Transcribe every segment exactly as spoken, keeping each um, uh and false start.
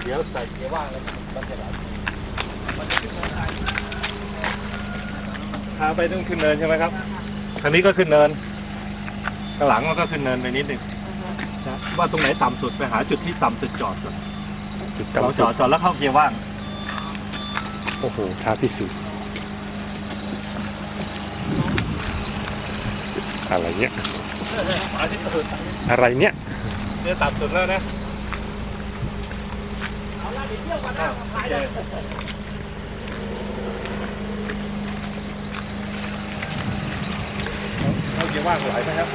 เดี๋ยวใส่เกียร์ว่างแล้วมันจะไหลมันจะขึ้นเนินได้พาไปต้องขึ้นเนินใช่ไหมครับทางนี้ก็ขึ้นเนินข้างหลังมันก็ขึ้นเนินไปนิดหนึ่งนะว่าตรงไหนต่ำสุดไปหาจุดที่ต่ำสุดจอดก่อนจุดต่ำจอดจอดแล้วเข้าเกียร์ว่างโอ้โหท้าพิสูจน์อะไรเนี้ยอะไรเนี้ยเนี่ยต่ำสุดแล้วนะเอาละเดี๋ยวเที่ยวกันนะขายเลยเข้าเกียร์ว่างไหลไหมครับ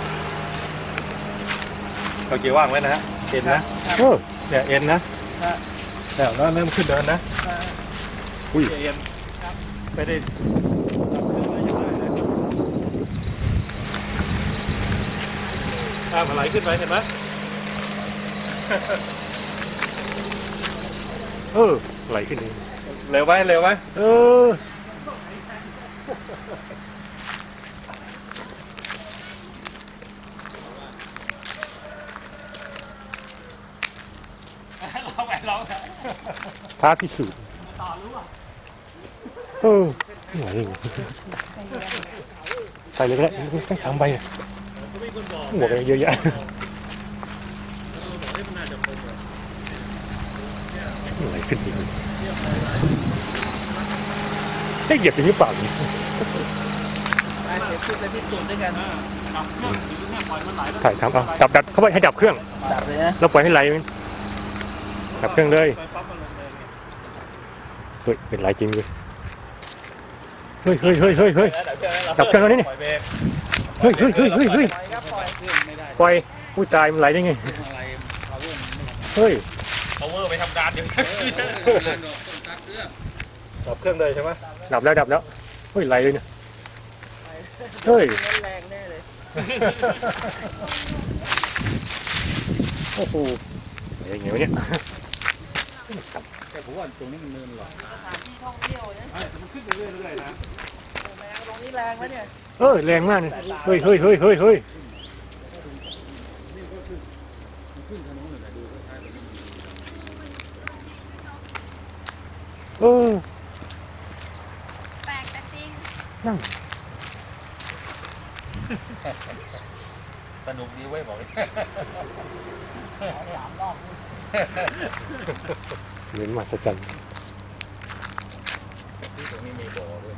เข้าเกียร์ว่างไว้นะฮะเอ็นนะเนี่ยเอ็นนะแล้วแล้วเริ่มขึ้นเดินนะอุ้ยเอ็นไม่ได้ถ้ามันไหลขึ้นไปเห็นไหมเออไหลขึ้นเองเร็วไหมเร็วไหมเออท้าพิสูจน์เออไหนใส่เลยก็ได้ไม่ทำไปหัวกันเยอะแยะไหลขึ้นอีกได้เหยียบไปหรือเปล่าเนี่ยถ่ายทำเอาดับดับเข้าไปให้ดับเครื่องแล้วปล่อยให้ไหลดับเครื่องเลยเฮ้ยเป็นไรจริงเลยเฮ้ยเฮ้ยเฮ้ยเฮ้ยเฮ้ยดับเครื่องแล้วนี่เฮ้ยเฮ้ยเฮ้ยเฮ้ยเฮ้ยปล่อยผู้ตายมันไหลได้ไงเฮ้ย power ไปทำการอยู่ดับเครื่องเลยใช่ไหมดับแล้วดับแล้วเฮ้ยไหลเลยเนี่ยเฮ้ยแรงแน่เลยโอ้โหอะไรอย่างเงี้ยเนี่ยแต่ผมว่าตรงนี้มันเนินหรอสถานที่ท่องเที่ยวเนี่ยแต่มันขึ้นไปเรื่อยๆนะแรงตรงนี้แรงแล้วเนี่ยเออแรงมากเลยเฮ้ยเฮ้ยเฮ้ยเฮ้ยเฮ้ยเออแปลกแต่จริงนั่งสนุกดีเว้ยบอกเลยสามรอบเหมือนมหัศจรรย์ที่ตรงนี้มีบ่อด้วย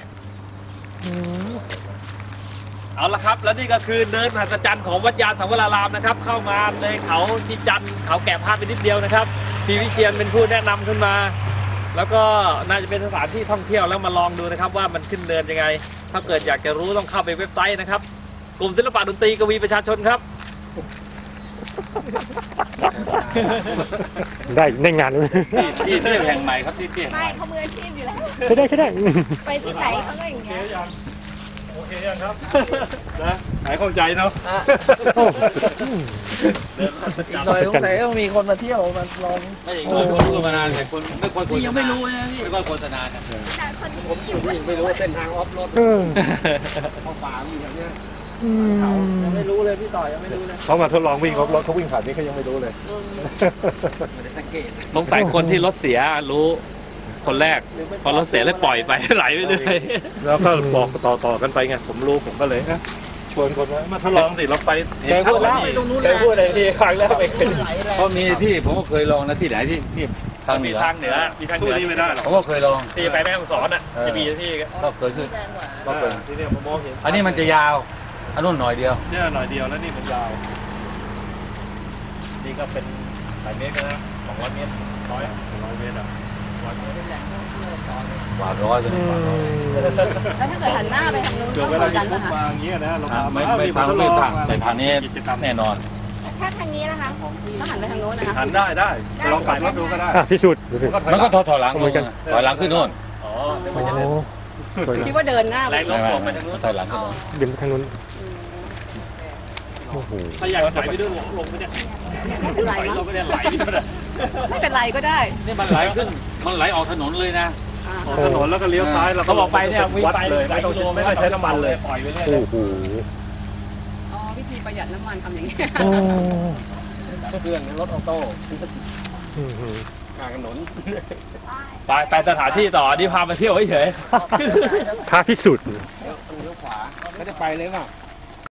เอาละครับแล้วนี่ก็คือเนินมหัศจรรย์ของวัดยานสังวรารามนะครับเข้ามาในเขาชีจันทร์เขาแกะพลาดไปนิดเดียวนะครับพี่วิเชียรเป็นผู้แนะนำขึ้นมาแล้วก็น่าจะเป็นสถานที่ท่องเที่ยวแล้วมาลองดูนะครับว่ามันขึ้นเนินยังไงถ้าเกิดอยากจะรู้ต้องเข้าไปเว็บไซต์นะครับกลุ่มศิลปะดนตรีกวีประชาชนครับได้ได้งานเลยที่ที่เที่ยวแห่งใหม่ครับที่เที่ยวไม่เขามืออาชีพอยู่แล้วใช่ได้ใช่ได้ไปที่ไหนเขาก็อย่างเงี้ยโอเคยังครับนะหายเข้าใจเนาะหน่อยสงสัยต้องมีคนมาเที่ยวมาลองไม่อย่างนี้คนรู้มานานแต่คนไม่ค่อยพี่ยังไม่รู้นะพี่ไม่ค่อยโฆษณากันผมอยู่นี่ไม่รู้เส้นทางออฟโรดเขาป่าอยู่อย่างเนี้ยเขายังไม่รู้เลยพี่ต่อยังไม่รู้เลยเขามาทดลองวิ่งรถเขาวิ่งผ่านนี้เขายังไม่รู้เลยไม่ได้สังเกตสงสัยคนที่รถเสียรู้คนแรกพอรถเสียแล้วปล่อยไปไหลไปเลยแล้วก็บอกต่อๆกันไปไงผมรู้ผมก็เลยชวนคนมาทดลองสิเราไปแกพูดแล้วไปตรงนู้นเลยพูดอะไรที่ครั้งแล้วไปเพราะมีที่ผมก็เคยลองนะที่ไหนที่ที่ทางเหนือทางเหนือมีทางเหนือที่ไม่ได้หรอกผมก็เคยลองที่ไปแม่ฮ่องสอนอ่ะจะมีที่ก็เคยขึ้นก็เคยที่เนี่ยผมมองเห็นอันนี้มันจะยาวอันนู้นหน่อยเดียวเนี่ยหน่อยเดียวแล้วนี่มันยาวนี่ก็เป็นหลายเมตรนะสองร้อยเมตรร้อยร้อยเมตรอ่ะกว่าร้อยเลยแล้วถ้าเกิดหันหน้าไปทางนู้นก็เหมือนกันนะคะมาอย่างเงี้ยนะเราไม่ไม่ทางไม่ทางแต่ทางนี้แน่นอนถ้าทางนี้นะคะก็หันไปทางโน้นนะคะหันได้ได้ลองขับรถดูก็ได้พิสูจน์มันก็ถอยถอยหลังเหมือนกันถอยหลังขึ้นโน่นอ๋อคิดว่าเดินหน้าแรงลงไปทางนู้นถอยหลังขึ้นโน่นเดินไปทางนู้นโอ้โหถ้าอยากไหลไปด้วยลงไปเนี่ยไม่เป็นไรเนาะไม่เป็นไรก็ได้นี่มันไหลขึ้นมันไหลออกถนนเลยนะออกถนนแล้วก็เลี้ยวซ้ายเราก็บอกไปเนี่ยวิ่งไปเลยไม่ต้องไม่ต้องใช้น้ำมันเลยปล่อยไปเรื่อยโอ้โหอ๋อวิธีประหยัดน้ำมันทำอย่างนี้เครื่องรถออโต้อืมกลางถนนไปไปสถานที่ต่อนี่พามาเที่ยวเฉยท้าพิสูจน์เลี้ยวเลี้ยวขวาเขาจะไปเลยเปล่า